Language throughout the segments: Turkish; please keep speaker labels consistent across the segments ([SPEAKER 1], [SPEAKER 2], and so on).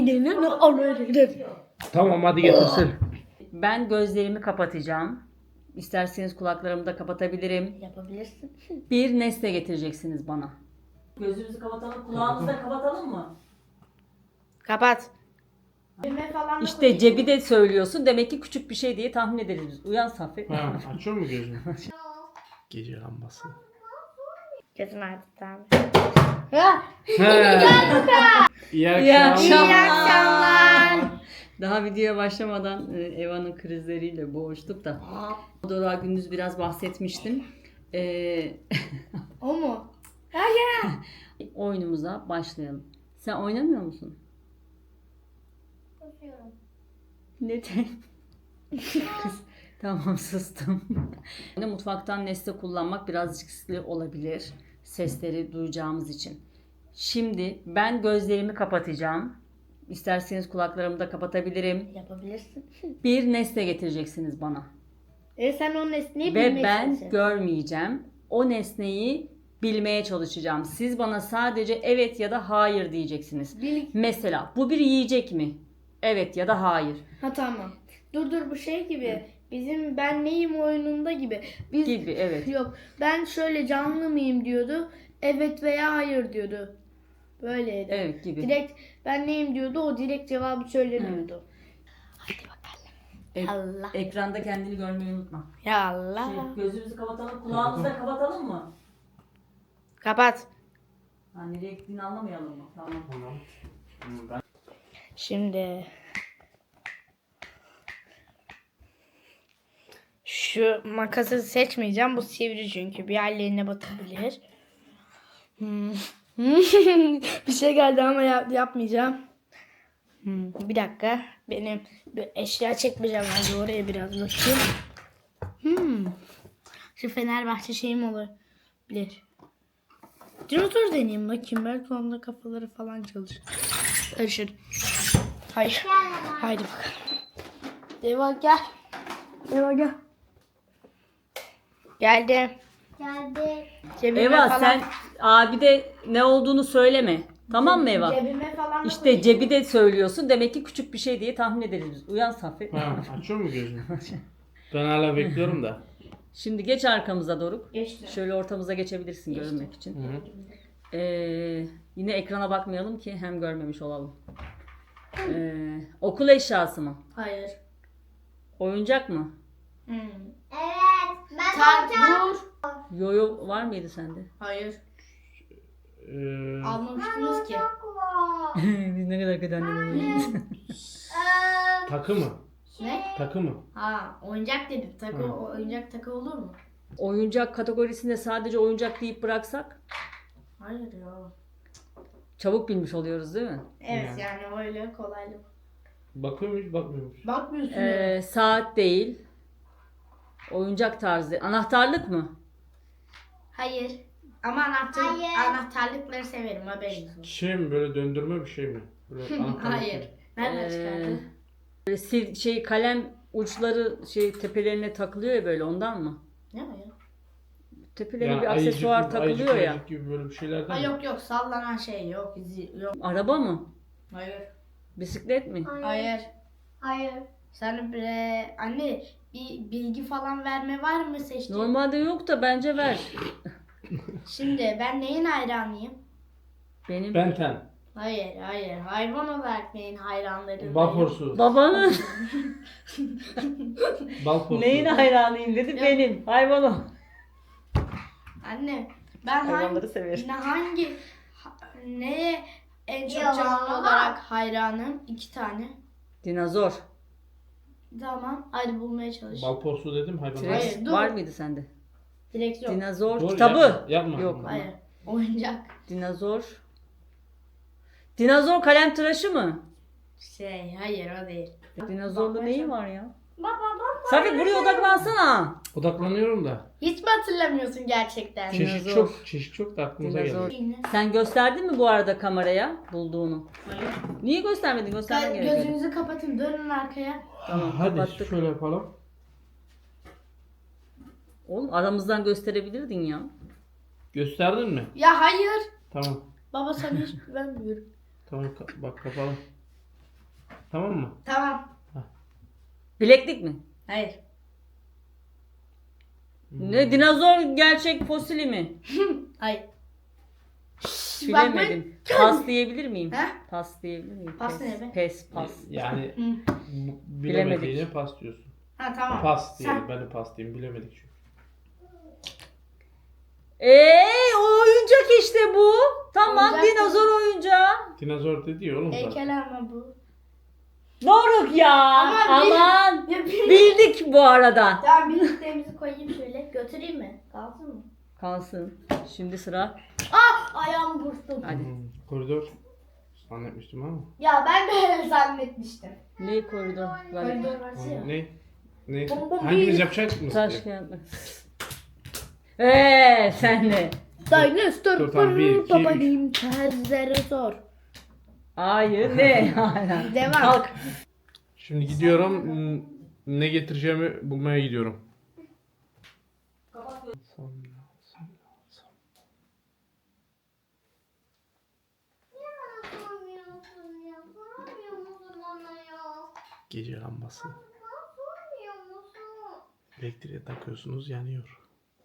[SPEAKER 1] kendini alırım.
[SPEAKER 2] Tamam hadi getirsin.
[SPEAKER 3] Ben gözlerimi kapatacağım. İsterseniz kulaklarımı da kapatabilirim.
[SPEAKER 1] Yapabilirsin.
[SPEAKER 3] Bir nesne getireceksiniz bana. Gözümüzü kapatalım, kulağımızı da kapatalım mı?
[SPEAKER 1] Kapat.
[SPEAKER 3] İşte cebi de söylüyorsun. Demek ki küçük bir şey diye tahmin ederiz biz. Uyan Safi.
[SPEAKER 2] Ha, açıyor mu gözünü? Gece lambası.
[SPEAKER 1] Gözün artık abi.
[SPEAKER 2] He. İyi akşamlar.
[SPEAKER 3] Daha videoya başlamadan Eva'nın krizleriyle boğuştuk da. Dora gündüz biraz bahsetmiştim.
[SPEAKER 1] O mu?
[SPEAKER 3] Oyunumuza başlayalım. Sen oynamıyor musun? Neden? Kız, tamam sustum. Mutfaktan nesne kullanmak biraz riskli olabilir. Sesleri duyacağımız için. Şimdi ben gözlerimi kapatacağım. İsterseniz kulaklarımı da kapatabilirim.
[SPEAKER 1] Yapabilirsin.
[SPEAKER 3] Bir nesne getireceksiniz bana.
[SPEAKER 1] Sen o nesneyi
[SPEAKER 3] Ve
[SPEAKER 1] bilmeye
[SPEAKER 3] ben
[SPEAKER 1] çalışacaksın.
[SPEAKER 3] görmeyeceğim. O nesneyi bilmeye çalışacağım. Siz bana sadece evet ya da hayır diyeceksiniz. Mesela bu bir yiyecek mi? Evet ya da hayır.
[SPEAKER 1] Ha tamam. Dur bu şey gibi. Bizim ben neyim oyununda gibi. Biz
[SPEAKER 3] Gibi evet.
[SPEAKER 1] Yok ben şöyle canlı mıyım diyordu. Evet veya hayır diyordu. Böyleydi.
[SPEAKER 3] Evet gibi.
[SPEAKER 1] Direkt ben neyim diyordu, o direkt cevabı söylemiyordu. Hadi bakalım. Allah.
[SPEAKER 3] Ekranda kendini görmeyi unutma.
[SPEAKER 1] Ya Allah.
[SPEAKER 3] Gözümüzü kapatalım, kulağımızı da kapatalım mı?
[SPEAKER 1] Kapat.
[SPEAKER 3] Ha, nereye gittiğini anlamayalım mı? Tamam.
[SPEAKER 1] Şimdi şu makası seçmeyeceğim. Bu sivri çünkü bir yerlerine batabilir. Bir şey geldi ama yapmayacağım. Bir dakika. Benim bir eşya çekmeyeceğim. Ben oraya biraz bakayım. Şu Fenerbahçe şeyim olabilir. Dinozor deneyeyim bakayım. Belki onda kafaları falan çalışır. Hayır. Haydi bakalım. Eva gel. Eva gel. Geldi. Cebime
[SPEAKER 3] Eva
[SPEAKER 1] falan,
[SPEAKER 3] sen abi de ne olduğunu söyleme. Tamam mı Eva?
[SPEAKER 1] Cebime falan da
[SPEAKER 3] İşte cebi de söylüyorsun. Demek ki küçük bir şey diye tahmin ederiz biz. Uyan Safi.
[SPEAKER 2] Ha, açıyor mu gözünü? Ben hala bekliyorum da.
[SPEAKER 3] Şimdi geç arkamıza Doruk.
[SPEAKER 1] Geçti.
[SPEAKER 3] Şöyle ortamıza geçebilirsin görünmek için. Yine ekrana bakmayalım ki hem görmemiş olalım. Okul eşyası mı?
[SPEAKER 1] Hayır.
[SPEAKER 3] Oyuncak mı?
[SPEAKER 4] Evet, ben alacağım.
[SPEAKER 1] Dur.
[SPEAKER 3] Yoyo var mıydı sende?
[SPEAKER 1] Hayır.
[SPEAKER 2] Ee,
[SPEAKER 1] Almamıştınız ki.
[SPEAKER 3] Biz ne kadar kötü annelerimiz.
[SPEAKER 2] takı mı?
[SPEAKER 1] Ne?
[SPEAKER 2] Takı mı?
[SPEAKER 1] Ha, oyuncak dedim. Oyuncak takı olur mu?
[SPEAKER 3] Oyuncak kategorisinde sadece oyuncak deyip bıraksak
[SPEAKER 1] Hayır ya.
[SPEAKER 3] çabuk bilmiş oluyoruz değil mi?
[SPEAKER 1] Evet yani öyle kolaylık.
[SPEAKER 2] Bakıyor muyuz bakmıyor muyuz?
[SPEAKER 1] Bakmıyorsun ya.
[SPEAKER 3] Saat değil. Oyuncak tarzı. Anahtarlık mı?
[SPEAKER 1] Hayır. Ama
[SPEAKER 4] Hayır.
[SPEAKER 1] anahtarlıkları severim, haberiniz olsun.
[SPEAKER 2] Şey mi, böyle döndürme bir şey mi? Böyle anahtarlık mı?
[SPEAKER 1] Hayır. Nereden çıkardın?
[SPEAKER 3] Böyle kalem uçları tepelerine takılıyor ya böyle ondan mı?
[SPEAKER 1] Ne o ya?
[SPEAKER 3] Tepelerine
[SPEAKER 2] Yani
[SPEAKER 3] bir aksesuar takılıyor ya.
[SPEAKER 2] ayıcık gibi böyle bir şeylerden
[SPEAKER 1] Ha,
[SPEAKER 2] mi?
[SPEAKER 1] yok sallanan şey yok. Yok.
[SPEAKER 3] Araba mı?
[SPEAKER 1] Hayır.
[SPEAKER 3] Bisiklet mi?
[SPEAKER 1] Hayır.
[SPEAKER 4] Hayır.
[SPEAKER 1] Sen anne bir bilgi falan verme var mı seçtiğin?
[SPEAKER 3] Normalde yok da bence ver.
[SPEAKER 1] Şimdi ben neyin hayranıyım?
[SPEAKER 3] Benim
[SPEAKER 2] Benten.
[SPEAKER 1] Hayır. Hayvan olarak neyin hayranlarıyım?
[SPEAKER 2] Bal porsu.
[SPEAKER 3] babanın
[SPEAKER 2] Bal porsu.
[SPEAKER 3] neyin hayranıyım dedi benim. Hayvanım.
[SPEAKER 1] Anne ben
[SPEAKER 3] Hayvanları severim.
[SPEAKER 1] neye en çok
[SPEAKER 4] Yalan.
[SPEAKER 1] canlı olarak hayranım? 2 tane.
[SPEAKER 3] Dinozor.
[SPEAKER 1] Tamam. Hadi bulmaya çalış.
[SPEAKER 2] Bal porsu dedim hayvan.
[SPEAKER 1] Hayır,
[SPEAKER 3] T-Rex
[SPEAKER 1] dur.
[SPEAKER 3] var mıydı sende?
[SPEAKER 1] Direkt yok.
[SPEAKER 3] Dinozor
[SPEAKER 2] Dur,
[SPEAKER 3] kitabı.
[SPEAKER 2] Yapma.
[SPEAKER 3] Yok.
[SPEAKER 1] Hayır. Oyuncak.
[SPEAKER 3] Dinozor. Dinozor kalem tıraşı mı?
[SPEAKER 1] Hayır o değil.
[SPEAKER 3] Dinozorlu neyi var ya?
[SPEAKER 4] Baba baba.
[SPEAKER 3] Safi buraya odaklansana.
[SPEAKER 2] Odaklanıyorum da.
[SPEAKER 1] Hiç mi hatırlamıyorsun gerçekten?
[SPEAKER 3] Dinozor.
[SPEAKER 2] Çeşit çok da aklımıza
[SPEAKER 3] Dinozor.
[SPEAKER 2] geldi.
[SPEAKER 3] Sen gösterdin mi bu arada kameraya bulduğunu?
[SPEAKER 1] Hayır.
[SPEAKER 3] Niye göstermedin? Göstermen gerekiyordu.
[SPEAKER 1] Gözünüzü kapatın, dönün arkaya.
[SPEAKER 3] Tamam,
[SPEAKER 2] Hadi
[SPEAKER 3] kapattık.
[SPEAKER 2] şöyle yapalım.
[SPEAKER 3] Oğlum aramızdan gösterebilirdin ya.
[SPEAKER 2] Gösterdin mi?
[SPEAKER 1] Ya hayır.
[SPEAKER 2] Tamam.
[SPEAKER 1] Baba sana hiç güvenmiyorum.
[SPEAKER 2] Tamam bak kapalı. Tamam mı?
[SPEAKER 1] Tamam.
[SPEAKER 3] Bileklik mi?
[SPEAKER 1] Hayır.
[SPEAKER 3] Ne dinozor gerçek fosili mi?
[SPEAKER 1] Hayır.
[SPEAKER 3] Bilemedim. Pas diyebilir miyim?
[SPEAKER 1] He?
[SPEAKER 3] Pas diyebilir miyim?
[SPEAKER 1] Pas
[SPEAKER 3] Pes,
[SPEAKER 1] ne be?
[SPEAKER 3] Pes, pas.
[SPEAKER 2] Yani
[SPEAKER 3] Bilemedik.
[SPEAKER 2] bilemediğine pas diyorsun.
[SPEAKER 1] Ha tamam.
[SPEAKER 2] Pas diyelim.
[SPEAKER 1] Sen-
[SPEAKER 2] Ben de pas diyeyim. Bilemedik çünkü.
[SPEAKER 3] O oyuncak işte bu. Tamam,
[SPEAKER 1] Oyuncak
[SPEAKER 3] dinozor oyuncağı.
[SPEAKER 2] Dinozor dedi ya oğlum zaten.
[SPEAKER 1] Heykel ama bu.
[SPEAKER 3] Doruk ya.
[SPEAKER 1] Ama
[SPEAKER 3] Aman.
[SPEAKER 1] Ya bir...
[SPEAKER 3] Bildik bu arada.
[SPEAKER 1] Tamam birliklerimizi koyayım şöyle. Götüreyim mi? Kalsın mı?
[SPEAKER 3] Kalsın. Şimdi sıra.
[SPEAKER 1] Ayağımı burktum.
[SPEAKER 3] Hadi.
[SPEAKER 2] Koridor. Zannetmiştim ama.
[SPEAKER 1] Ya ben de öyle zannetmiştim.
[SPEAKER 3] Ne koridor?
[SPEAKER 1] Koridor varsa ya.
[SPEAKER 2] Ne? Ne?
[SPEAKER 1] Bom bom
[SPEAKER 2] Hangimiz
[SPEAKER 1] değil.
[SPEAKER 2] yapacak mısın?
[SPEAKER 3] Taş kağıt makas. Sen de.
[SPEAKER 1] Dinosaur
[SPEAKER 2] Dur, tamam, bir, iki,
[SPEAKER 1] babayım terzlere sor.
[SPEAKER 3] Hayır ne?
[SPEAKER 1] Devam.
[SPEAKER 3] Kalk.
[SPEAKER 2] Şimdi gidiyorum. Ne getireceğimi bulmaya gidiyorum.
[SPEAKER 4] Sormuyorsun ya. Sormuyor musun bana ya?
[SPEAKER 2] Gece lambası.
[SPEAKER 4] Sormuyor musun?
[SPEAKER 2] Elektriğe takıyorsunuz, yanıyor.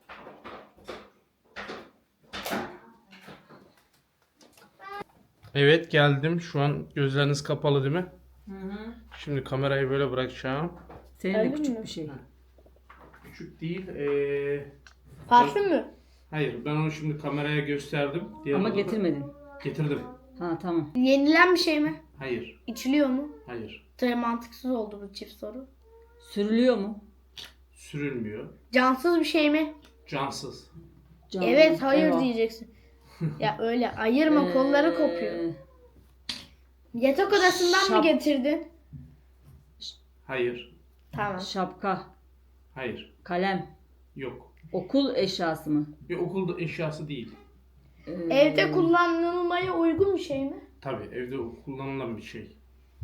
[SPEAKER 2] Evet, geldim. Şu an gözleriniz kapalı değil mi? Şimdi kamerayı böyle bırakacağım.
[SPEAKER 3] Senin de
[SPEAKER 1] Öyle
[SPEAKER 3] küçük
[SPEAKER 1] mi?
[SPEAKER 3] bir şey.
[SPEAKER 2] Küçük değil.
[SPEAKER 1] Parfüm mü?
[SPEAKER 2] Hayır, ben onu şimdi kameraya gösterdim. Diğer
[SPEAKER 3] Ama
[SPEAKER 2] odada-
[SPEAKER 3] getirmedin.
[SPEAKER 2] Getirdim.
[SPEAKER 3] Ha tamam.
[SPEAKER 1] Yenilen bir şey mi?
[SPEAKER 2] Hayır.
[SPEAKER 1] İçiliyor mu?
[SPEAKER 2] Hayır.
[SPEAKER 1] Tabii mantıksız oldu bu çift soru.
[SPEAKER 3] Sürülüyor mu?
[SPEAKER 2] Sürülmüyor.
[SPEAKER 1] Cansız bir şey mi?
[SPEAKER 2] Cansız.
[SPEAKER 3] Canlı.
[SPEAKER 1] Evet hayır
[SPEAKER 3] Eyvah.
[SPEAKER 1] diyeceksin. Ya öyle ayırma kolları kopuyor. Yatak odasından mı
[SPEAKER 3] şap-
[SPEAKER 1] getirdin?
[SPEAKER 2] Hayır.
[SPEAKER 1] Tamam.
[SPEAKER 3] Şapka,
[SPEAKER 2] Hayır.
[SPEAKER 3] kalem,
[SPEAKER 2] Yok.
[SPEAKER 3] okul eşyası mı?
[SPEAKER 2] Bir okulda eşyası değil.
[SPEAKER 1] Evde kullanılmaya uygun bir şey mi?
[SPEAKER 2] Tabii evde kullanılan bir şey.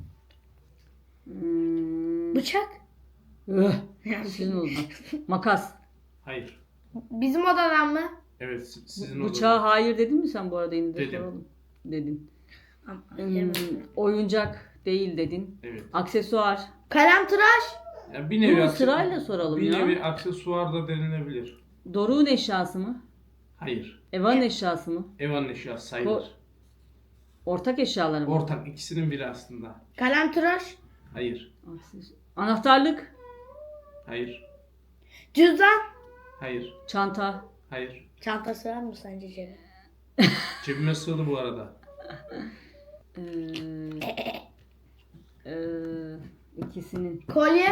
[SPEAKER 1] Bıçak.
[SPEAKER 3] Sizin oldu. Makas.
[SPEAKER 2] Hayır.
[SPEAKER 1] Bizim odadan mı?
[SPEAKER 2] Evet sizin
[SPEAKER 3] Bıçağa hayır dedin mi sen bu arada yine de
[SPEAKER 2] Dedim.
[SPEAKER 3] soralım. Dedin.
[SPEAKER 1] Yemedim.
[SPEAKER 3] Oyuncak değil dedin.
[SPEAKER 2] Evet.
[SPEAKER 3] Aksesuar.
[SPEAKER 1] Kalem tıraş.
[SPEAKER 2] Yani bir nevi
[SPEAKER 3] Bunu
[SPEAKER 2] akse-
[SPEAKER 3] sırayla soralım
[SPEAKER 2] bir
[SPEAKER 3] ya.
[SPEAKER 2] nevi aksesuar da denilebilir.
[SPEAKER 3] Doruk'un eşyası mı?
[SPEAKER 2] Hayır.
[SPEAKER 3] Evan eşyası mı?
[SPEAKER 2] Evan eşyası sayılır.
[SPEAKER 3] Ortak eşyaları mı?
[SPEAKER 2] Ortak ikisinin biri aslında.
[SPEAKER 1] Kalem tıraş.
[SPEAKER 2] Hayır.
[SPEAKER 3] Anahtarlık.
[SPEAKER 2] Hayır.
[SPEAKER 1] Cüzdan.
[SPEAKER 2] Hayır.
[SPEAKER 3] Çanta.
[SPEAKER 2] Hayır.
[SPEAKER 1] Çanta sığar mı sence Ceren?
[SPEAKER 2] Cebime sığdı bu arada.
[SPEAKER 3] İkisinin.
[SPEAKER 1] Kolye.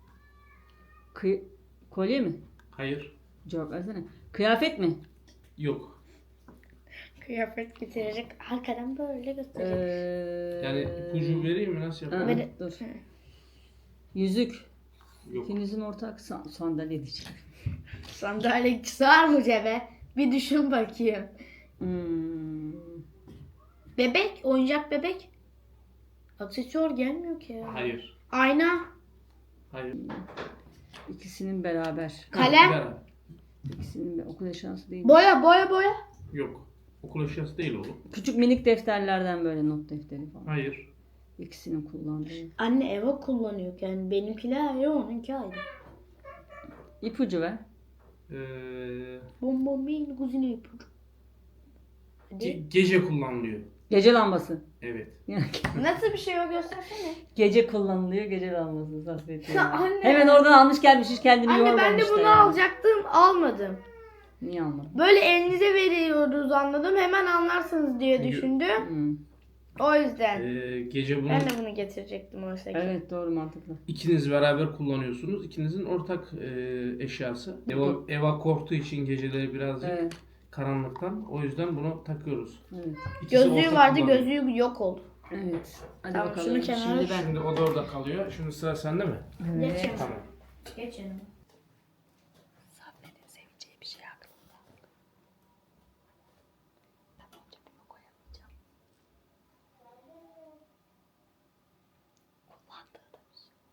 [SPEAKER 3] Kolye mi?
[SPEAKER 2] Hayır.
[SPEAKER 3] Cevap versene. Kıyafet mi?
[SPEAKER 2] Yok.
[SPEAKER 1] Kıyafet getirecek. Arkadan böyle gösterecek.
[SPEAKER 2] Yani ipucu vereyim mi? Nasıl yapalım?
[SPEAKER 1] Ver-
[SPEAKER 3] Dur. Yüzük.
[SPEAKER 2] Yok.
[SPEAKER 3] İkinizin ortak sandalye diyeceğim.
[SPEAKER 1] Sandalye sığar mı cebe? Bir düşün bakayım. Bebek. Oyuncak bebek. Aksesuar gelmiyor ki ya.
[SPEAKER 2] Hayır.
[SPEAKER 1] Ayna.
[SPEAKER 2] Hayır.
[SPEAKER 3] İkisinin beraber.
[SPEAKER 1] Kalem.
[SPEAKER 2] Beraber.
[SPEAKER 3] İkisinin okul eşyası değil.
[SPEAKER 1] Boya boya boya.
[SPEAKER 2] Yok. Okul eşyası değil oğlum.
[SPEAKER 3] Küçük minik defterlerden böyle not defteri falan.
[SPEAKER 2] Hayır.
[SPEAKER 3] İkisinin kullandığı.
[SPEAKER 1] Anne Eva kullanıyor yani benimkiler ayrı onunki ayrı.
[SPEAKER 3] İpucu ver.
[SPEAKER 1] Bom bom bin kuzine ipucu. Hadi.
[SPEAKER 2] Gece kullanılıyor.
[SPEAKER 3] Gece lambası.
[SPEAKER 2] Evet.
[SPEAKER 1] Nasıl bir şey o göstersene.
[SPEAKER 3] Gece kullanılıyor gece lambası. Zafiyet
[SPEAKER 1] Ya
[SPEAKER 3] yani.
[SPEAKER 1] anne.
[SPEAKER 3] Hemen oradan almış gelmiş hiç kendini
[SPEAKER 1] Anne
[SPEAKER 3] yormamış
[SPEAKER 1] ben de
[SPEAKER 3] da
[SPEAKER 1] bunu
[SPEAKER 3] yani.
[SPEAKER 1] alacaktım almadım.
[SPEAKER 3] Niye almadın?
[SPEAKER 1] Böyle elinize veriyoruz anladım hemen anlarsınız diye
[SPEAKER 2] Çünkü-
[SPEAKER 1] düşündüm.
[SPEAKER 3] Hmm.
[SPEAKER 1] O yüzden.
[SPEAKER 2] Gece bunu
[SPEAKER 1] Ben de bunu getirecektim oysa ki.
[SPEAKER 3] Evet doğru mantıklı.
[SPEAKER 2] ikiniz beraber kullanıyorsunuz. İkinizin ortak eşyası. Eva korktuğu için geceleri birazcık
[SPEAKER 3] Evet.
[SPEAKER 2] karanlıktan. O yüzden bunu takıyoruz.
[SPEAKER 3] Evet.
[SPEAKER 2] İkisi
[SPEAKER 1] Gözlüğü
[SPEAKER 2] ortak
[SPEAKER 1] vardı
[SPEAKER 2] kullanıyor.
[SPEAKER 1] gözlüğü yok oldu.
[SPEAKER 3] Evet. Hadi
[SPEAKER 1] Tamam,
[SPEAKER 3] bakalım.
[SPEAKER 1] şunu kenara-
[SPEAKER 3] Şimdi ben.
[SPEAKER 2] Şimdi o da orada kalıyor. Şimdi sıra sende mi?
[SPEAKER 1] Geç yanıma.
[SPEAKER 2] Tamam.
[SPEAKER 1] Geç yanıma.
[SPEAKER 3] Sabri'nin seveceği bir şey aklımda. Ben önce bunu koyamayacağım. Kullandığı da bir şey.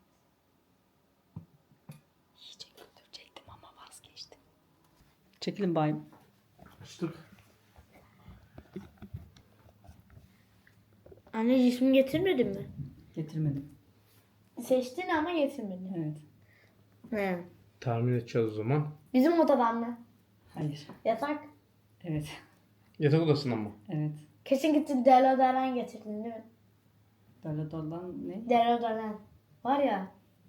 [SPEAKER 3] Yiyecek götürecektim ama vazgeçtim. Çekilin bayım.
[SPEAKER 2] Açtık.
[SPEAKER 1] Anne cismi getirmedin mi?
[SPEAKER 3] Getirmedim.
[SPEAKER 1] Seçtin ama getirmedin.
[SPEAKER 3] Evet.
[SPEAKER 1] He.
[SPEAKER 2] Tahmin edeceğiz o zaman.
[SPEAKER 1] Bizim odadan mı?
[SPEAKER 3] Hayır.
[SPEAKER 1] Yatak.
[SPEAKER 3] Evet.
[SPEAKER 2] Yatak odasından mı?
[SPEAKER 3] Evet.
[SPEAKER 1] Kesin gittin deodorant getirdin değil mi?
[SPEAKER 3] Dolan ne?
[SPEAKER 1] Deodorant. Var ya.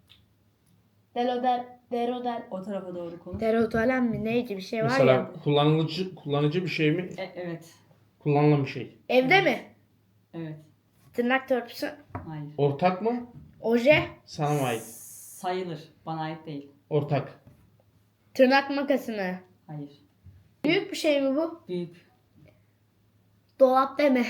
[SPEAKER 1] Deodorant.
[SPEAKER 3] O tarafa doğru konuş.
[SPEAKER 1] Deodorant mı neydi bir şey var
[SPEAKER 2] Mesela
[SPEAKER 1] ya.
[SPEAKER 2] kullanıcı bir şey mi?
[SPEAKER 3] Evet.
[SPEAKER 2] Kullanılan bir şey.
[SPEAKER 1] Evde mi?
[SPEAKER 3] Evet.
[SPEAKER 1] Tırnak törpüsü.
[SPEAKER 3] Hayır.
[SPEAKER 2] Ortak mı?
[SPEAKER 1] Oje.
[SPEAKER 2] Sana mı ait?
[SPEAKER 3] Sayılır. Bana ait değil.
[SPEAKER 2] Ortak.
[SPEAKER 1] Tırnak makası mı?
[SPEAKER 3] Hayır.
[SPEAKER 1] Büyük bir şey mi bu?
[SPEAKER 3] Büyük.
[SPEAKER 1] Dolap deme.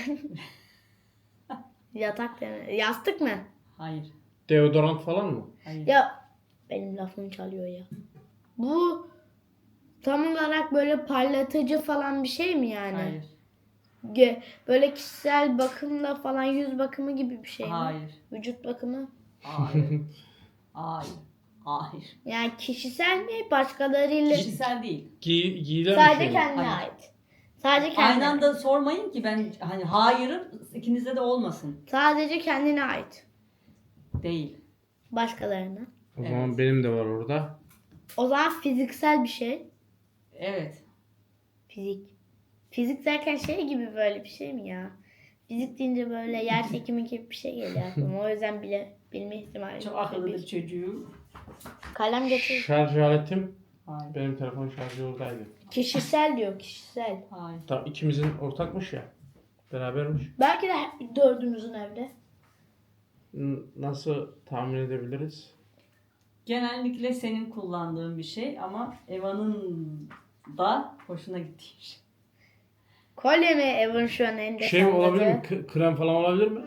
[SPEAKER 1] Yatak deme. Yastık mı?
[SPEAKER 3] Hayır.
[SPEAKER 2] Deodorant falan mı?
[SPEAKER 3] Hayır.
[SPEAKER 1] Ya benim lafımı çalıyor ya. Bu tam olarak böyle parlatıcı falan bir şey mi yani?
[SPEAKER 3] Hayır.
[SPEAKER 1] Böyle kişisel bakımla falan yüz bakımı gibi bir şey mi?
[SPEAKER 3] Hayır.
[SPEAKER 1] Vücut bakımı.
[SPEAKER 3] Hayır. Hayır. Hayır.
[SPEAKER 1] Yani kişisel mi başkalarıyla?
[SPEAKER 3] Kişisel değil.
[SPEAKER 2] Giyilen bir
[SPEAKER 1] Sadece
[SPEAKER 2] şey mi?
[SPEAKER 1] kendine
[SPEAKER 3] Hayır.
[SPEAKER 1] ait. Sadece kendine.
[SPEAKER 3] Aynı anda sormayın ki ben hani hayırım ikinizde de olmasın.
[SPEAKER 1] Sadece kendine ait.
[SPEAKER 3] Değil.
[SPEAKER 1] Başkalarına.
[SPEAKER 2] O zaman benim de var orada.
[SPEAKER 1] O zaman fiziksel bir şey.
[SPEAKER 3] Evet.
[SPEAKER 1] Fizik. Fizik derken şey gibi böyle bir şey mi ya? Fizik deyince böyle yer çekimi gibi bir şey geliyor aklıma. O yüzden bilme ihtimali.
[SPEAKER 3] Çok akıllıdır çocuğum.
[SPEAKER 1] Kalem getir.
[SPEAKER 2] Şarj aletim
[SPEAKER 3] Hayır.
[SPEAKER 2] benim telefon şarjı oradaydı.
[SPEAKER 1] Kişisel diyor kişisel.
[SPEAKER 3] Hayır.
[SPEAKER 2] Tamam ikimizin ortakmış ya. Berabermiş.
[SPEAKER 1] Belki de dördümüzün evde.
[SPEAKER 2] Nasıl tahmin edebiliriz?
[SPEAKER 3] Genellikle senin kullandığın bir şey ama Eva'nın da hoşuna gittiği bir şey.
[SPEAKER 1] Kolye mi Evan şu an elinde
[SPEAKER 2] Şey mi olabilir mi?
[SPEAKER 1] salladı?
[SPEAKER 2] Krem falan olabilir mi?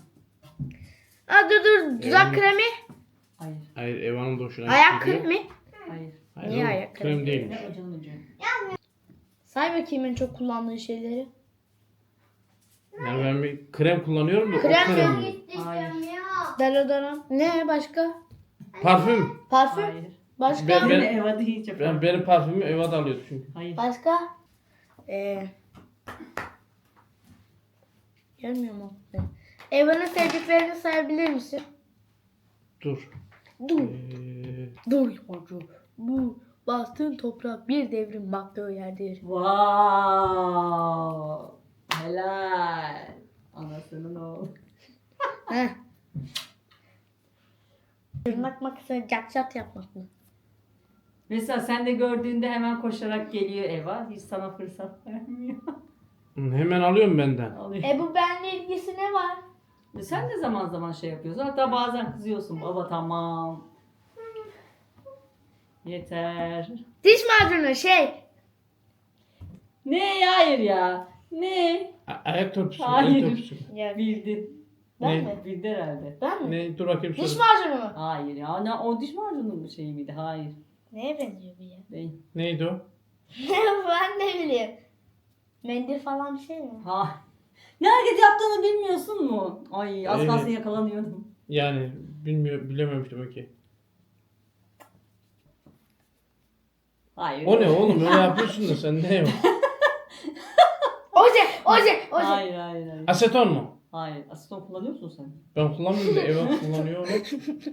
[SPEAKER 1] Aa dur dudak kremi.
[SPEAKER 3] Hayır.
[SPEAKER 2] Hayır Eva'nın da hoşuna
[SPEAKER 1] Ayak
[SPEAKER 2] gidiyor.
[SPEAKER 1] kremi.
[SPEAKER 3] Hayır.
[SPEAKER 2] Hayır,
[SPEAKER 1] Niye
[SPEAKER 2] oğlum,
[SPEAKER 1] ayak
[SPEAKER 2] krem
[SPEAKER 1] kremi?
[SPEAKER 2] değilmiş.
[SPEAKER 3] Ne ucunun ucu.
[SPEAKER 1] Say bakayım en çok kullandığın şeyleri.
[SPEAKER 2] Yani ben bir krem kullanıyorum da
[SPEAKER 1] Krem
[SPEAKER 2] o krem
[SPEAKER 1] mi?
[SPEAKER 2] mi?
[SPEAKER 4] İstemiyorum ya.
[SPEAKER 1] Deodorant. Ne başka?
[SPEAKER 2] Parfüm.
[SPEAKER 1] Parfüm.
[SPEAKER 3] Hayır.
[SPEAKER 1] Başka?
[SPEAKER 2] Ben-
[SPEAKER 3] Yine Eva deyince
[SPEAKER 2] Benim parfümümü Eva da alıyordu çünkü.
[SPEAKER 3] Hayır.
[SPEAKER 1] Başka? Gelmiyor mu? Eva'nın sevdiklerini sayabilir misin?
[SPEAKER 2] Dur.
[SPEAKER 1] Dur.
[SPEAKER 2] Ee,
[SPEAKER 1] Dur yolcu. Bu bastığın toprak bir devrin baktığı yerdir.
[SPEAKER 3] Wow. Helal. Anasının oğlu.
[SPEAKER 1] Heh. Tırnak makasına cat yapmak mı?
[SPEAKER 3] Mesela sen de gördüğünde hemen koşarak geliyor Eva. Hiç sana fırsat vermiyor.
[SPEAKER 2] hemen alıyorum benden.
[SPEAKER 3] Alıyor.
[SPEAKER 1] Bu benimle ilgisi ne var?
[SPEAKER 3] Sen de zaman zaman şey yapıyorsun. Hatta bazen kızıyorsun. Baba tamam. Yeter.
[SPEAKER 1] Diş macunu şey.
[SPEAKER 3] Ne? Hayır ya. Ne?
[SPEAKER 2] Ayak törpüsü.
[SPEAKER 3] Hayır.
[SPEAKER 2] Ayak törpüsü.
[SPEAKER 1] Ya,
[SPEAKER 3] Bildi.
[SPEAKER 1] ben
[SPEAKER 2] Ne?
[SPEAKER 1] mi?
[SPEAKER 3] Bildi herhalde.
[SPEAKER 1] Ben mi?
[SPEAKER 2] Ne? Dur bakayım
[SPEAKER 1] Diş
[SPEAKER 2] söyle.
[SPEAKER 1] macunu mu?
[SPEAKER 3] Hayır ya. Ne, o diş macunun şeyi miydi? Hayır.
[SPEAKER 1] Neye benziyor bu ya?
[SPEAKER 3] Değil.
[SPEAKER 2] Neydi o?
[SPEAKER 1] Ben ne bileyim. Mendil falan bir şey mi?
[SPEAKER 3] Ha. Ne hareket yaptığını bilmiyorsun mu? Ay az kalsın
[SPEAKER 2] Evet.
[SPEAKER 3] yakalanıyordum.
[SPEAKER 2] Yani bilememiş demek ki.
[SPEAKER 3] Hayır.
[SPEAKER 2] O ne oğlum? Öyle yapıyorsun da sen ne o?
[SPEAKER 1] Oje.
[SPEAKER 3] Hayır hayır hayır.
[SPEAKER 2] Aseton mu?
[SPEAKER 3] Hayır. Asiton kullanıyor musun sen?
[SPEAKER 2] Ben kullanmıyorum da Eva kullanıyor onu.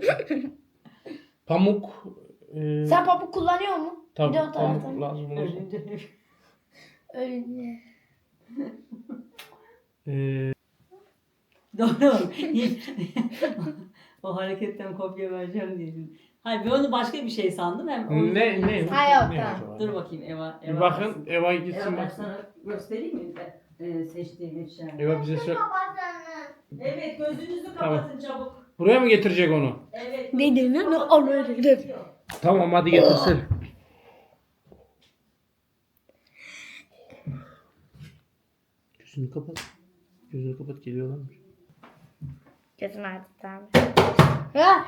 [SPEAKER 2] Pamuk.
[SPEAKER 1] Sen pamuk kullanıyor mu?
[SPEAKER 2] Tabii
[SPEAKER 1] Bir de o
[SPEAKER 2] pamuk
[SPEAKER 1] taraftan.
[SPEAKER 2] lazım olursa.
[SPEAKER 3] Ölünce.
[SPEAKER 1] Öyle.
[SPEAKER 3] Doğru. O hareketten kopya vereceğim diye. Hayır ben onu başka bir şey sandım. Hem onu
[SPEAKER 2] Ne?
[SPEAKER 1] Ha, yok,
[SPEAKER 2] Ne
[SPEAKER 1] tamam.
[SPEAKER 2] acaba?
[SPEAKER 3] Dur bakayım Eva.
[SPEAKER 2] Bir bakın Eva gitsin
[SPEAKER 3] Eva ben
[SPEAKER 2] bak.
[SPEAKER 3] sana göstereyim mi? Seçtiğim eşyayı.
[SPEAKER 2] Eva bize söyle.
[SPEAKER 4] Babasının.
[SPEAKER 3] Evet gözünüzü
[SPEAKER 2] Tamam.
[SPEAKER 3] kapatın çabuk.
[SPEAKER 2] Buraya mı getirecek onu?
[SPEAKER 3] Evet.
[SPEAKER 1] Ne denir? Ne alır?
[SPEAKER 2] Tamam hadi getirsin. Gözünü kapat. Gözünü kapat geliyorlarmış.
[SPEAKER 1] Gözüm artık tamam. Ha!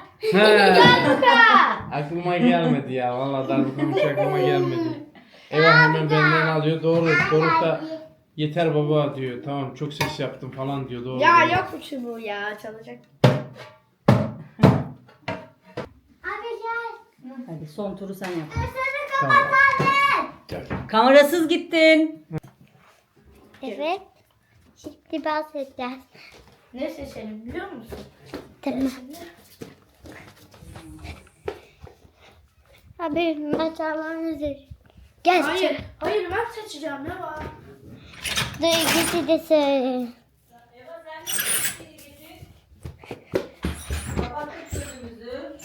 [SPEAKER 2] Aklıma gelmedi ya. Vallahi darbukamış aklıma gelmedi. Eva hemen benden alıyor. Doğru. Doruk da yeter baba diyor. Tamam çok ses yaptım falan diyor. Doğru.
[SPEAKER 1] Ya
[SPEAKER 2] doğru.
[SPEAKER 1] yok mu şu bu ya çalacak.
[SPEAKER 4] Hadi gel.
[SPEAKER 3] Hadi son turu sen yap.
[SPEAKER 2] Tamam. Gel.
[SPEAKER 3] Kamerasız gittin.
[SPEAKER 4] Evet. Şimdi bahsedeceğiz.
[SPEAKER 1] Ne seçelim biliyor musun?
[SPEAKER 4] Tamam. Abi maçalarını üzeri. Gel.
[SPEAKER 1] Hayır. Hayır ben seçeceğim ne var?
[SPEAKER 4] Dur ikisi de söyle.
[SPEAKER 3] Kapattık sözümüzü.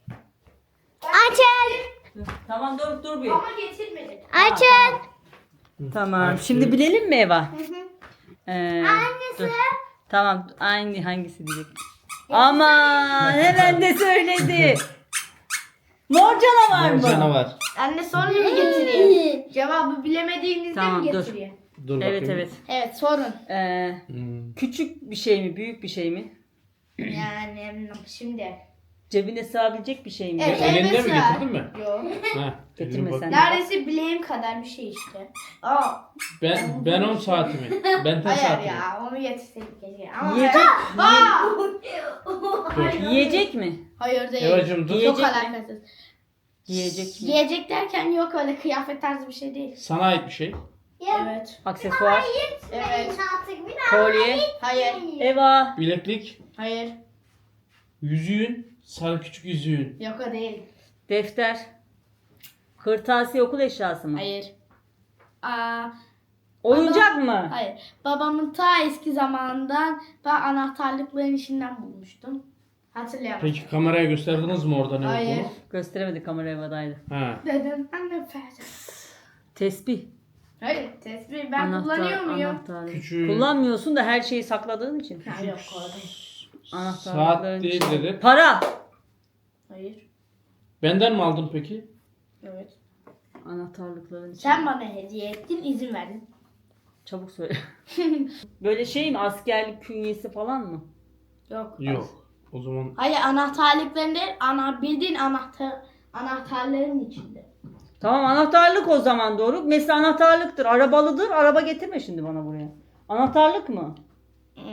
[SPEAKER 4] Açın.
[SPEAKER 3] Tamam dur bir.
[SPEAKER 1] Ama getirmedik.
[SPEAKER 4] Açın.
[SPEAKER 3] Tamam. Şimdi bilelim mi Eva?
[SPEAKER 4] Hangisi?
[SPEAKER 3] Dur. Tamam. Aynı hangisi diyecek? Aman hemen de söyledi. Mor canavar mı?
[SPEAKER 2] Canavar.
[SPEAKER 1] Anne sonra mı getireyim? Cevabı bilemediğinizde
[SPEAKER 3] Tamam,
[SPEAKER 1] mi
[SPEAKER 3] dur.
[SPEAKER 1] getireyim?
[SPEAKER 2] Dur bakayım.
[SPEAKER 3] Evet evet.
[SPEAKER 1] Evet sorun.
[SPEAKER 3] Küçük bir şey mi? Büyük bir şey mi?
[SPEAKER 1] Yani şimdi.
[SPEAKER 3] Cebine sığabilecek bir şey mi?
[SPEAKER 1] Evet.
[SPEAKER 2] Elinde mi
[SPEAKER 1] Mesela-
[SPEAKER 2] getirdin mi?
[SPEAKER 1] Yok.
[SPEAKER 2] Ha,
[SPEAKER 3] Getirme
[SPEAKER 2] bak.
[SPEAKER 3] sen.
[SPEAKER 1] Neredeyse bileğim kadar bir şey işte. Aa.
[SPEAKER 2] Ben 10 saatimi. Ben tek
[SPEAKER 1] Hayır
[SPEAKER 2] saatimi.
[SPEAKER 1] ya onu getirseydik keşke. Ama
[SPEAKER 3] Yiyecek,
[SPEAKER 1] Aa!
[SPEAKER 3] yiyecek mi?
[SPEAKER 1] Hayır değil.
[SPEAKER 2] Evacım dur.
[SPEAKER 1] Çok
[SPEAKER 3] Yiyecek mi?
[SPEAKER 1] alakasız.
[SPEAKER 3] Yiyecek mi?
[SPEAKER 1] Yiyecek derken yok öyle kıyafet tarzı bir şey değil.
[SPEAKER 2] Sana ait bir şey.
[SPEAKER 1] Evet.
[SPEAKER 3] Aksesuar,
[SPEAKER 1] Evet.
[SPEAKER 4] Artık bir daha.
[SPEAKER 3] kolye,
[SPEAKER 1] Hayır.
[SPEAKER 3] Eva,
[SPEAKER 2] Bileklik.
[SPEAKER 1] Hayır.
[SPEAKER 2] Yüzüğün. Sarı küçük yüzüğün.
[SPEAKER 1] Yok o değil.
[SPEAKER 3] defter, kırtasiye, okul eşyası mı?
[SPEAKER 1] Hayır. Aa,
[SPEAKER 3] Oyuncak mı?
[SPEAKER 1] hayır. Babamın ta eski zamanından ben anahtarlıkların içinden bulmuştum. Hatırlayamam.
[SPEAKER 2] Peki kameraya gösterdiniz mi orada ne
[SPEAKER 1] Hayır.
[SPEAKER 2] olduğunu?
[SPEAKER 3] Gösteremedi, kamera Eva'daydı.
[SPEAKER 2] Ha.
[SPEAKER 1] Dedim anne verdim.
[SPEAKER 3] Tesbih.
[SPEAKER 1] Hayır tesbih ben kullanıyor muyum?
[SPEAKER 3] anahtarlık.
[SPEAKER 2] Küçük.
[SPEAKER 3] Kullanmıyorsun da her şeyi sakladığın için.
[SPEAKER 1] Ha, yok koydum.
[SPEAKER 2] Saat değil dedi.
[SPEAKER 3] Para.
[SPEAKER 1] Hayır.
[SPEAKER 2] Benden mi aldın peki?
[SPEAKER 1] Evet.
[SPEAKER 3] Anahtarlıkların için.
[SPEAKER 1] Sen bana hediye ettin izin verdin.
[SPEAKER 3] Çabuk söyle. Böyle şey mi? Askerlik künyesi falan mı?
[SPEAKER 1] Yok.
[SPEAKER 2] Yok. O zaman
[SPEAKER 1] Hayır anahtarlıkların değil bildiğin anahtarların içinde.
[SPEAKER 3] Tamam anahtarlık o zaman doğru. Mesela anahtarlıktır. Arabalıdır. Araba getirme şimdi bana buraya. Anahtarlık mı?
[SPEAKER 1] Hı.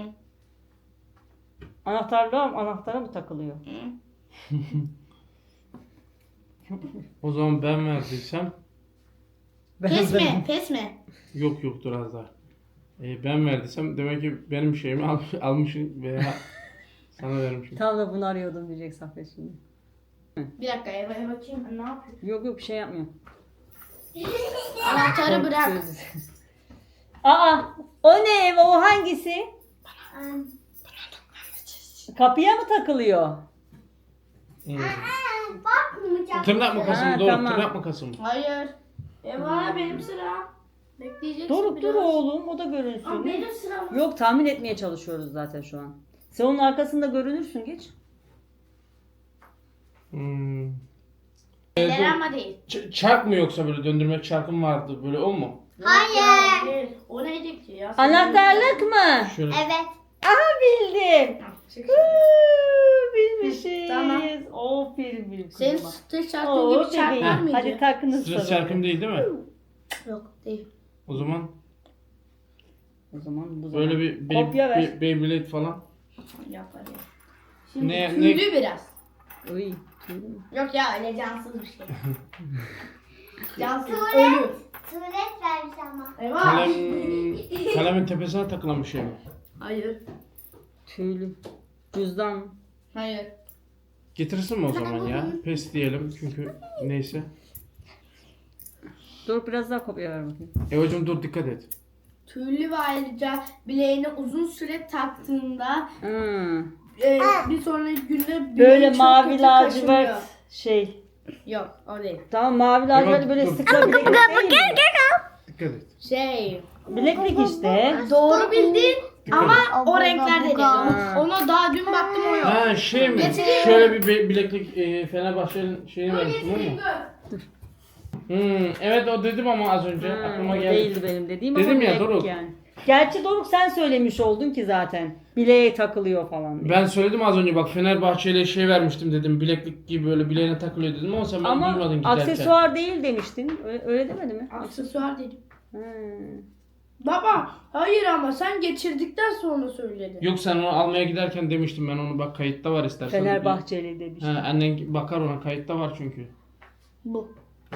[SPEAKER 3] Anahtara mı takılıyor?
[SPEAKER 2] o zaman ben verdiysem
[SPEAKER 1] Pes mi? Pes mi?
[SPEAKER 2] yok dur az daha. Ben verdiysem demek ki benim şeyimi almışım veya sana vermişim.
[SPEAKER 3] Tam da bunu arıyordum diyecek Saffet şimdi.
[SPEAKER 1] Bir dakika Eva'ya bakayım ben ne yapıyorum?
[SPEAKER 3] Yok bir şey yapmıyor.
[SPEAKER 1] Anahtarı bırak.
[SPEAKER 3] Aa o ne Eva o hangisi? Kapıya mı takılıyor?
[SPEAKER 4] Bakmayacağım.
[SPEAKER 2] Tırnak makası mı?
[SPEAKER 3] Ha,
[SPEAKER 2] Doğru.
[SPEAKER 3] tamam.
[SPEAKER 2] Tırnak makası mı?
[SPEAKER 1] Hayır. Eva benim sıram. Bekleyeceksin
[SPEAKER 3] Doruk
[SPEAKER 1] biraz.
[SPEAKER 3] dur oğlum o da
[SPEAKER 1] Aa,
[SPEAKER 3] görünsün.
[SPEAKER 1] benim sıram.
[SPEAKER 3] Yok tahmin etmeye çalışıyoruz zaten şu an. Sen onun arkasında görünürsün geç.
[SPEAKER 2] Hmm.
[SPEAKER 1] Eller ama değil.
[SPEAKER 2] Çark mı yoksa böyle döndürme çarkım vardı böyle o mu?
[SPEAKER 1] Hayır. Değil. O neydi ki ya?
[SPEAKER 3] Anahtarlık mı?
[SPEAKER 2] Şöyle.
[SPEAKER 4] Evet.
[SPEAKER 3] Aha bildim.
[SPEAKER 1] Çık.
[SPEAKER 3] Bilmişiz.
[SPEAKER 1] Tamam.
[SPEAKER 3] O film.
[SPEAKER 1] Senin stres çarkın
[SPEAKER 3] Oo,
[SPEAKER 1] gibi çark var
[SPEAKER 3] bebeğim.
[SPEAKER 1] mıydı?
[SPEAKER 3] Hadi takınız
[SPEAKER 2] Stres
[SPEAKER 3] sarılın.
[SPEAKER 2] çarkım değil mi?
[SPEAKER 1] Yok değil.
[SPEAKER 2] O zaman
[SPEAKER 3] O zaman bu zaman.
[SPEAKER 2] böyle bir
[SPEAKER 3] Kopya ver.
[SPEAKER 2] Beyblade falan.
[SPEAKER 1] Yok hadi. Şimdi
[SPEAKER 2] Ne-
[SPEAKER 1] tüylü biraz.
[SPEAKER 3] Uy. tüylü mü?
[SPEAKER 1] Yok ya öyle cansız bir şey. Cansız ölü.
[SPEAKER 4] Tuvalet vermiş ama.
[SPEAKER 1] Eyvah.
[SPEAKER 2] Kalemin tepesine takılan bir şey mi?
[SPEAKER 1] Hayır.
[SPEAKER 3] Tüylü. Cüzdan.
[SPEAKER 1] Hayır.
[SPEAKER 2] Getirsin mi o zaman ya? Pes diyelim çünkü neyse.
[SPEAKER 3] Dur biraz daha kopya ver bakayım.
[SPEAKER 2] Evacım dur dikkat et.
[SPEAKER 1] Tüylü ve ayrıca bileğine uzun süre taktığında
[SPEAKER 3] Hmm.
[SPEAKER 1] bir sonraki günde bileği
[SPEAKER 3] Böyle
[SPEAKER 1] çok
[SPEAKER 3] mavi
[SPEAKER 1] kötü
[SPEAKER 3] lacivert
[SPEAKER 1] kaşınıyor.
[SPEAKER 3] şey.
[SPEAKER 1] Yok o değil.
[SPEAKER 3] Tamam mavi lacivert böyle
[SPEAKER 2] dur.
[SPEAKER 3] sıkla bileklik değil mi?
[SPEAKER 2] Dikkat et.
[SPEAKER 1] Şey.
[SPEAKER 3] Bileklik işte.
[SPEAKER 1] Doğru bildin ama o
[SPEAKER 4] Abla,
[SPEAKER 1] renklerde değil.
[SPEAKER 3] Ha.
[SPEAKER 1] Ona daha dün baktım o yok.
[SPEAKER 2] Ha şey mi?
[SPEAKER 1] Getireyim.
[SPEAKER 2] Şöyle bir bileklik Fenerbahçe'nin şeyini vermiştim ama. Evet o dedim ama az önce aklıma
[SPEAKER 3] O
[SPEAKER 2] geldi.
[SPEAKER 3] değildi benim dediğim
[SPEAKER 2] Dedim
[SPEAKER 3] ama
[SPEAKER 2] ya,
[SPEAKER 3] bileklik
[SPEAKER 2] Doruk.
[SPEAKER 3] yani. Gerçi Doruk sen söylemiş oldun ki zaten. Bileğe takılıyor falan diye.
[SPEAKER 2] Ben söyledim az önce bak Fenerbahçe'yle şey vermiştim dedim. Bileklik gibi böyle bileğine takılıyor dedim ama sen beni duymadın
[SPEAKER 3] Ama
[SPEAKER 2] giderken.
[SPEAKER 3] aksesuar değil demiştin. Öyle demedi mi?
[SPEAKER 1] Aksesuar dedim.
[SPEAKER 3] Hmm.
[SPEAKER 1] Baba hayır ama sen geçirdikten sonra söyledin.
[SPEAKER 2] Yok sen onu almaya giderken demiştim ben onu bak kayıtta var istersen.
[SPEAKER 3] Fenerbahçeli demiştin.
[SPEAKER 2] Ha, annen bakar ona kayıtta var çünkü.
[SPEAKER 1] Bu.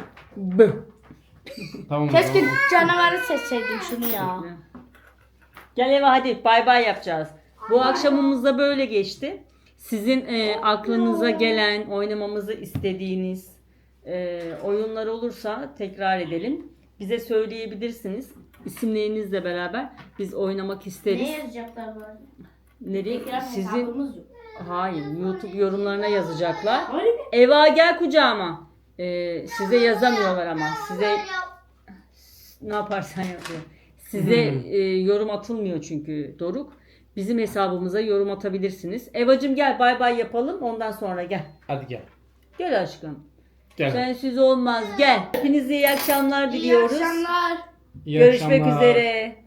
[SPEAKER 2] Tamam. o
[SPEAKER 1] Keşke
[SPEAKER 2] zaman.
[SPEAKER 1] canavarı seçseydim şunu ya.
[SPEAKER 3] Gel eve hadi bay bay yapacağız. Bu akşamımız da böyle geçti. Sizin aklınıza gelen, oynamamızı istediğiniz oyunlar olursa tekrar edelim. Bize söyleyebilirsiniz. İsimlerinizle beraber biz oynamak isteriz.
[SPEAKER 1] Ne yazacaklar bu arada?
[SPEAKER 3] Nereye?
[SPEAKER 1] Tekrar
[SPEAKER 3] Sizin
[SPEAKER 1] hesabımız yok.
[SPEAKER 3] hayır, YouTube yorumlarına yazacaklar.
[SPEAKER 1] Öyle mi?
[SPEAKER 3] Eva gel kucağıma. Size yazamıyorlar ama size ne yaparsan yapıyor. Size yorum atılmıyor çünkü Doruk. Bizim hesabımıza yorum atabilirsiniz. Evacım gel bay bay yapalım ondan sonra gel.
[SPEAKER 2] Hadi gel.
[SPEAKER 3] Gel aşkım.
[SPEAKER 2] Gel.
[SPEAKER 3] Sensiz olmaz gel. Hepinize iyi akşamlar
[SPEAKER 1] İyi
[SPEAKER 3] diliyoruz.
[SPEAKER 1] akşamlar.
[SPEAKER 2] İyi
[SPEAKER 3] Görüşmek
[SPEAKER 2] akşamlar.
[SPEAKER 3] üzere.